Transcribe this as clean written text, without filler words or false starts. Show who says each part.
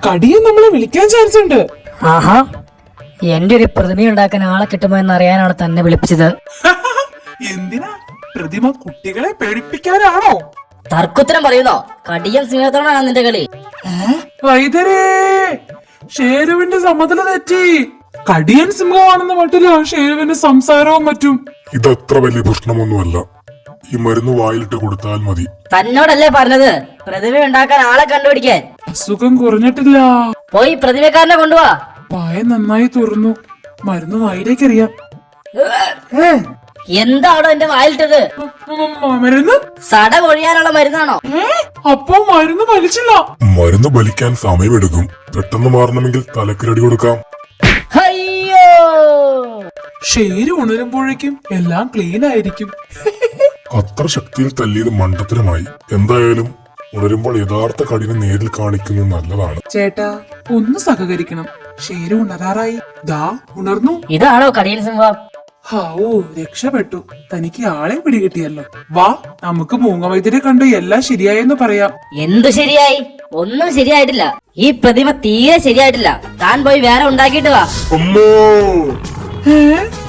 Speaker 1: കടിയൻ നമ്മളെ വിളിക്കാൻ ചാൻസ് ഉണ്ട്.
Speaker 2: ആഹാ, എന്റെ ഒരു പ്രതിമ ഉണ്ടാക്കാൻ ആളെ കിട്ടുമോ എന്ന് അറിയാനാണ് തന്നെ വിളിപ്പിച്ചത്.
Speaker 1: എന്തിനാ? പ്രതിമ കുട്ടികളെ പേടിപ്പിക്കാനാണോ?
Speaker 2: തർക്കുത്തരം പറയുന്നോ? കടിയൻ സിംഹത്തോടാണ് നിന്റെ കളി.
Speaker 1: വൈദ്യരേ, ഷേരുവിന്റെ സമതല തെറ്റി. കടിയൻ സിംഹമാണെന്ന മട്ടില്ല ഷേരുവിന്റെ സംസാരവും മറ്റും.
Speaker 3: ഇതത്ര വലിയ പ്രശ്നമൊന്നുമല്ല. ഈ മരുന്ന് വായിലിട്ട് കൊടുത്താൽ മതി.
Speaker 2: തന്നോടല്ലേ പറഞ്ഞത് പ്രതിമ ഉണ്ടാക്കാൻ ആളെ കണ്ടുപിടിക്കാൻ?
Speaker 1: അസുഖം കുറഞ്ഞിട്ടില്ല.
Speaker 2: പോയി പ്രതിമക്കാരനെ കൊണ്ടുപോവാ.
Speaker 1: വായ നന്നായി തുറന്നു. മരുന്ന് വായിലേക്കറിയാം.
Speaker 2: എന്താണോ എന്റെ വായിലിട്ടത്?
Speaker 1: മരുന്ന്
Speaker 2: സട കൊഴിയാനുള്ള മരുന്നാണോ?
Speaker 1: അപ്പൊ മരുന്ന് വലിച്ചില്ല.
Speaker 3: മരുന്ന് ബലിക്കാൻ സമയമെടുക്കും. പെട്ടെന്ന് മാറണമെങ്കിൽ തലക്കിരടി കൊടുക്കാം.
Speaker 2: അയ്യോ,
Speaker 1: ഷേര് ഉണരുമ്പോഴേക്കും എല്ലാം ക്ലീൻ ആയിരിക്കും.
Speaker 3: അത്ര ശക്തിയിൽ തല്ലിയത് മണ്ടത്തരമായി. എന്തായാലും ഉണരുമ്പോൾ യഥാർത്ഥ കടിനെ നേരിൽ കാണിക്കുന്നത് നല്ലതാണ്.
Speaker 1: ചേട്ടാ, ഒന്ന് സഹകരിക്കണം. ഷേര് ഉണരാറായി. ദാ ഉണർന്നു.
Speaker 2: ഇതാണോ കടിയൻ സിംഹം?
Speaker 1: ഹാവൂ, രക്ഷപ്പെട്ടു. തനിക്ക് ആളെ പിടികിട്ടിയല്ലോ. വാ, നമുക്ക് മൂങ്ങവൈദ്യരെ കണ്ട് എല്ലാം ശരിയായെന്ന് പറയാം.
Speaker 2: എന്തു ശരിയായി? ഒന്നും ശരിയായിട്ടില്ല. ഈ പ്രതിമ തീരെ ശരിയായിട്ടില്ല. താൻ പോയി വേറെ ഉണ്ടാക്കിയിട്ട് വാ.
Speaker 3: അമ്മോ!
Speaker 1: ഏ